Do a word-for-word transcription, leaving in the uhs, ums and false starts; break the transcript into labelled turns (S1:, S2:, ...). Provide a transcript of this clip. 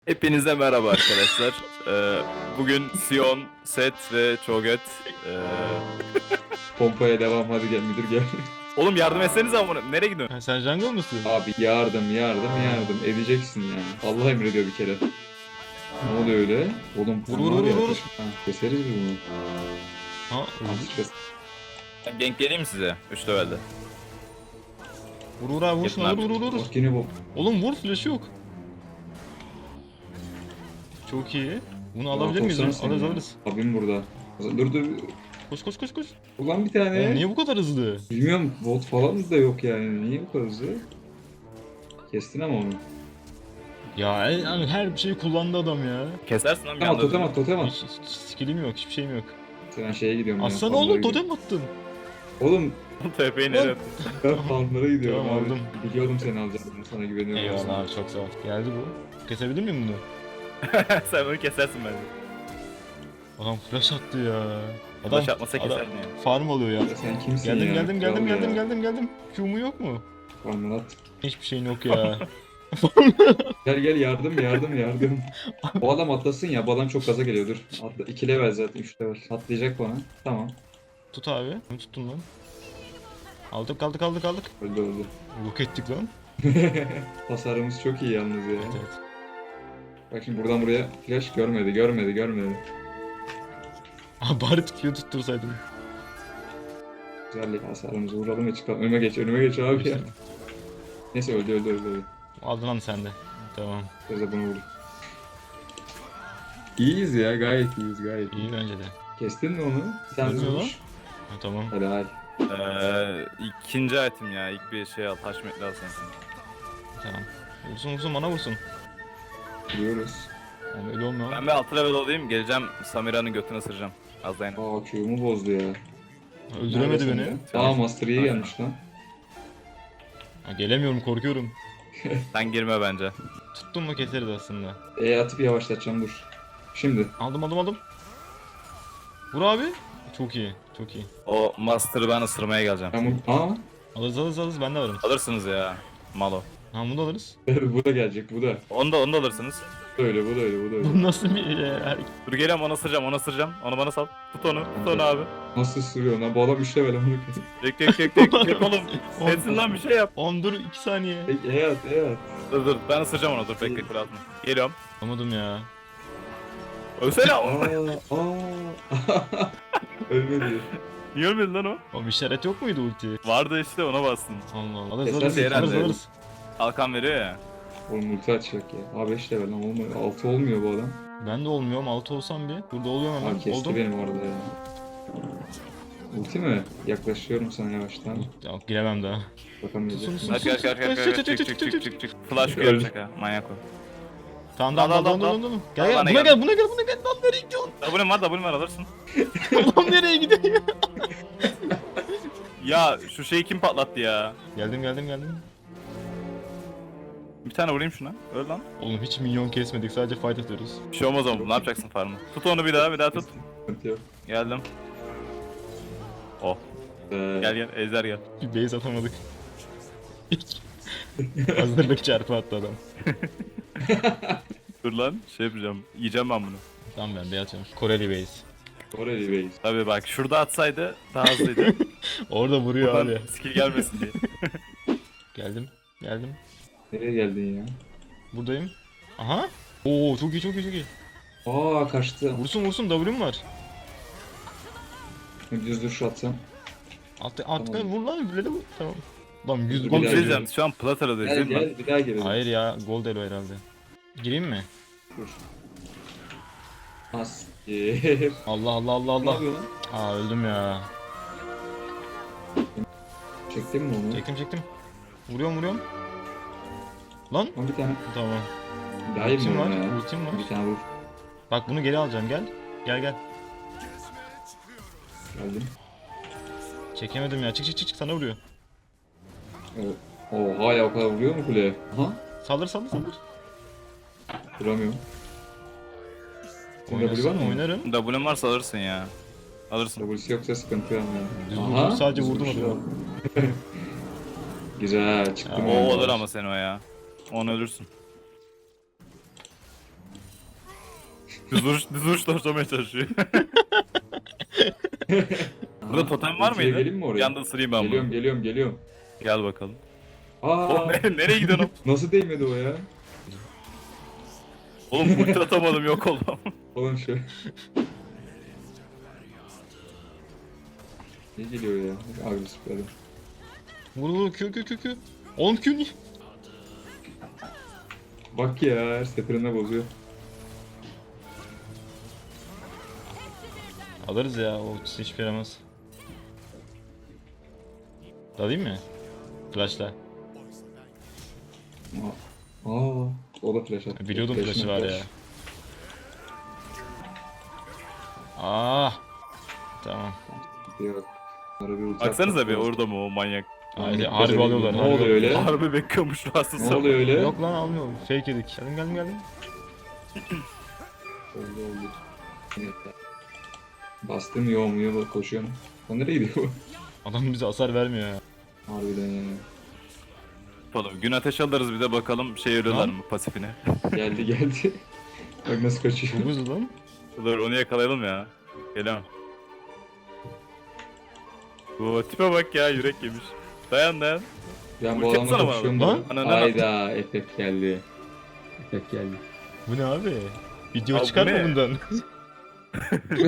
S1: Hepinize merhaba arkadaşlar. Ee, bugün Sion, Set ve Cho'Gath. Ee...
S2: Pompaya devam, hadi gel müdür gel.
S1: Oğlum yardım etsenize ama nereye gidiyorsun?
S3: Ha, sen jungle mısın?
S2: Abi yardım yardım yardım edeceksin yani. Allah emrediyor bir kere. Ne oluyor öyle? Oğlum
S3: Vur,
S2: bu
S3: vur,
S2: var ya,
S3: vur, vur.
S2: ateş- Ha, keseriz biz bunu.
S3: Ha,
S2: Azıcık kes.
S1: Ben gank geleyim mi size? üç levelde.
S3: vur vur abi vur şuna,
S1: Yapın
S3: vur
S1: abi.
S3: vur vur.
S2: Bak yine bu.
S3: Oğlum vur, flash yok. Çok iyi. Bunu
S2: Rahat
S3: alabilir miyiz?
S2: olsana sen
S3: Alırız
S2: ya.
S3: alırız.
S2: Abim burada. Dur dur.
S3: Koş koş koş koş.
S2: Ulan bir tane.
S3: Oğlum niye bu kadar hızlı?
S2: Bilmiyorum, bot falan da yok yani. Niye bu kadar hızlı? Kestin ama onu.
S3: Ya yani her şeyi kullandı adam ya.
S1: Kesersin lan bir
S2: Totem at,
S1: anda.
S2: totem at, totem at.
S3: Hiç, hiç skillim yok, hiçbir şeyim yok.
S2: Ben şeye gidiyorum ya.
S3: Aslan
S2: farmlara
S3: oğlum
S2: gidiyorum.
S3: totem attın.
S2: Oğlum
S1: T P'yi nereye attın?
S2: ben farmlara gidiyorum
S3: Tamam,
S2: abi.
S3: aldım.
S2: Biliyordum seni alacağını. Ben sana güveniyorum.
S3: Eyvallah abi, çok sağ ol. Geldi bu. Kesebilir miyim bunu?
S1: Sen onu kesersin bence.
S3: Adam flash attı ya. Adam,
S1: Flash atmasa
S3: adam
S1: keserdin yani.
S3: farm alıyor ya.
S2: Ya sen kimsin
S3: Geldim
S2: ya?
S3: geldim geldim
S2: Kral
S3: geldim
S2: ya.
S3: geldim geldim. Q'mu yok mu?
S2: Farmlara at.
S3: Hiçbir şeyin yok ya.
S2: Gel gel yardım yardım yardım. Bu adam atlasın ya, bu adam çok gaza geliyor, dur. Atla, iki level zaten, üç level. Atlayacak bana. Tamam.
S3: Tut abi. Bunu tuttum lan. Aldık aldık aldık aldık.
S2: Öldü öldü.
S3: Yok ettik lan.
S2: Hasarımız çok iyi yalnız ya.
S3: Evet evet.
S2: Bak şimdi buradan buraya flash görmedi görmedi görmedi.
S3: Abi bari Q tuttursaydım.
S2: Güzel ya, hasarımızı vuralım ve çıkalım. Önüme geç önüme geç abi ya. Neyse öldü öldü öldü. öldü.
S3: Aldın lan sen de. Tamam.
S2: Biraz da bunu vur. İyiyiz ya, gayet iyiyiz gayet iyi.
S3: İyi bence de.
S2: Kestin mi onu? Bir tane
S3: Ölmüyor lan.
S2: vurmuş.
S3: Ha, tamam.
S2: Helal.
S1: Ee, ikinci item ya. İlk bir şey al. Taş metli al sensin.
S3: Tamam. Vursun vursun bana vursun.
S2: Vuruyoruz.
S3: Oğlum öyle olmuyor.
S1: Ben bir altı level olayım. Geleceğim Samira'nın götünü ısıracağım. Az dayan.
S2: Aa Q'mu bozdu ya.
S3: Öldüremedi
S2: Neredesin
S3: beni.
S2: be? Aa Master iyi gelmiş lan.
S3: Ha, gelemiyorum, korkuyorum.
S1: Sen girme bence.
S3: Tuttun mu keseriz aslında.
S2: E atıp yavaşlatacağım, dur. Şimdi.
S3: Aldım aldım aldım. Vur abi. Çok iyi. Çok iyi.
S1: O Master'ı ben ısırmaya geleceğim.
S2: Ben bu... Aa.
S3: Alırız alırız alırız, ben de varım.
S1: Alırsınız ya. Malo.
S3: Ha, bunu da alırız.
S2: bu da gelecek, bu da.
S1: Onu da onu da alırsınız.
S2: Bu da öyle, bu da öyle, bu da öyle.
S3: Bu nasıl bir e, hareket?
S1: Dur geliyorum onu ısıracağım onu ısıracağım. Onu bana sal. Tut onu. Tut onu abi.
S2: Nasıl sürüyor lan? Bu adam üç level amına koyayım.
S1: Tek tek tek tek tek oğlum. Etsin lan bir şey yap.
S3: Oğlum dur iki saniye.
S2: Peki E at, E at.
S1: Dur dur ben ısıracağım onu dur bekle kule atma. Geliyorum.
S3: Anlamadım ya.
S1: Ölsene.
S2: Aa, aa. Ölmedi.
S1: Niye ölmedi lan o?
S3: Oğlum işaret yok muydu ulti?
S1: Vardı işte ona bastın.
S3: Allah Allah. Alırız
S2: Keser
S3: alırız
S2: mi?
S3: alırız
S1: Herhalde.
S3: alırız.
S1: Kalkan veriyor ya.
S2: Oğlum ulti açacak ya. Aa beş level lan, olmuyor. altı olmuyor bu adam.
S3: Ben de olmuyorum, altı olsam bir. Burada oluyorum hemen.
S2: Aa kesti
S3: Oldum.
S2: benim orada ya. Ulti mi? Yaklaşıyorum sana yavaştan.
S3: Ya, giremem daha.
S2: Bakamayacak.
S3: Sus,
S1: Kaç kaç kaç kaç kaç çık çık çık çık çık. Flash
S2: Öyle.
S1: görecek ha manyak o.
S3: Tamam
S1: Al,
S3: tamam
S1: al,
S3: tamam
S1: al,
S3: tamam tamam. Gel
S1: Al,
S3: gel
S1: bana
S3: buna
S1: gel.
S3: gel buna gel buna gel. Lan nereye gidiyorsun?
S1: W'm var W'm var alırsın.
S3: Lan nereye gidiyor ya?
S1: Ya şu şeyi kim patlattı ya?
S3: Geldim geldim geldim.
S1: Bir tane vurayım şuna. Öl lan.
S3: Oğlum hiç minyon kesmedik, sadece fight atıyoruz.
S1: Bir şey olmaz ama ne yapacaksın farmı? Tut onu bir daha bir daha tut.
S2: Sıkıntı yok.
S1: Geldim. Oh
S2: Ee,
S1: gel gel Ejder gel.
S3: Bir base atamadık. Hazırlık çarpı attı adam.
S1: Dur lan şey yapacağım. Yiyeceğim ben bunu.
S3: Tamam ben base atıyorum. Koreli base.
S2: Koreli Bey.
S1: Tabii bak şurada atsaydı daha hızlıydı.
S3: Orada vuruyor
S1: Buradan
S3: abi.
S1: skill gelmesin diye.
S3: Geldim. Geldim.
S2: Nereye geldin ya?
S3: Buradayım. Aha. Oo çok iyi çok iyi çok iyi.
S2: Aa kaçtı.
S3: Vursun vursun, W'm var.
S2: Düz duruş atsam.
S3: Alt, alt,
S2: Tamam.
S3: vur lan, böyle vur. Tamam. Lan yüz
S2: Bir
S1: Oğlum
S3: gol
S1: bir
S2: daha
S1: şey
S3: geliyor.
S1: diyeceğim şu an Platera'dayız
S2: Gel
S1: değil mi?
S2: gel bir daha gelelim.
S3: Hayır ya, gol elo herhalde. Gireyim mi?
S2: Dur. Asker.
S3: Allah Allah Allah
S2: Ne
S3: Allah.
S2: yapıyor lan?
S3: Aa öldüm ya.
S2: Çektin mi onu?
S3: Çektim çektim. Vuruyorum vuruyorum. Lan.
S2: Lan bir tane.
S3: Tamam.
S2: Daha iyi
S3: Ultim
S2: mi
S3: var.
S2: var ya?
S3: Ultim var.
S2: Bir tane vur.
S3: Bak bunu geri alacağım, gel. Gel gel.
S2: Geldim.
S3: Çekemedim ya. Çık çık çık çık, sana vuruyor.
S2: O- Oha ya, o kadar vuruyor mu kuleye? Aha.
S3: Saldır saldır saldır.
S2: Vuramıyorum. Senin W var
S3: Oynasın,
S2: mı?
S3: oynarım.
S1: W'm varsa alırsın ya. Alırsın.
S2: W'si yoksa sıkıntı yok
S3: Düz
S2: yani.
S3: vurdum, sadece vurdum
S2: düz
S3: adamı.
S2: vuruş. Güzel çıktım.
S3: Ya,
S1: O
S2: ondan.
S1: olur ama sen o ya. Onu ölürsün. Düz vuruş, düz vuruş torçlamaya çalışıyor. Burada
S2: Aha,
S1: totem var
S2: ultiye
S1: mıydı?
S2: Geleyim mi
S1: Bir
S2: oraya?
S1: anda ısırayım ben
S2: Geliyorum
S1: bunu.
S2: geliyorum geliyorum.
S1: Gel bakalım.
S2: Aa,
S1: Oğlum nereye, nereye gidiyorsun?
S2: nasıl değmedi o ya?
S1: Oğlum ulti atamadım, yok oldum.
S2: Oğlum şu. Ne geliyor ya? Agresif bir adam.
S3: Vur vur Q Q Q Q. Oğlum Q niye?
S2: Bak ya her seferinde bozuyor.
S3: Alırız ya, o ultisi hiçbir yaramaz. Dalayım mı? Flash'la.
S2: Aa, aa, o da flash attı.
S3: Biliyordum
S2: Flash'ına
S3: flash'ı var
S2: flash.
S3: ya. Ah. Tamam.
S2: Yok. Bunlara bir ulti
S1: Baksanıza
S2: atmak
S1: bir
S2: lazım.
S1: orada mı o manyak?
S3: Haydi
S2: Dikkat
S3: harbi
S2: edin.
S3: alıyorlar.
S2: Ne
S3: harbi
S2: oluyor öyle?
S1: Harbi bekliyormuş rahatsız.
S2: Ne oluyor öyle?
S3: Yok lan almıyorum. Fake yedik. Geldim geldim geldim.
S2: Oldu oldu. Evet. Bastım yoğumuyor bak koşuyorum. O nereye gidiyor bu?
S3: Adam bize hasar vermiyor ya.
S2: Harbiden ya.
S1: Yapalım. Gün ateş alırız bir de bakalım şey ölüyorlar
S3: Lan.
S1: mı pasifine.
S2: Geldi geldi. Bak nasıl kaçıyor.
S3: Çok hızlı lan.
S1: Dur onu yakalayalım ya. Gelemem. Bu tipe bak ya, yürek yemiş. Dayan dayan.
S2: Ben bu
S1: Ulti
S2: adamla
S1: atsana bana.
S2: kapışıyorum
S3: Lan.
S2: da.
S1: Ananı
S2: Hayda efekt geldi. Efekt geldi.
S3: Bu ne abi? Video
S1: Abi bu
S3: çıkar mı
S1: ne?
S3: bundan?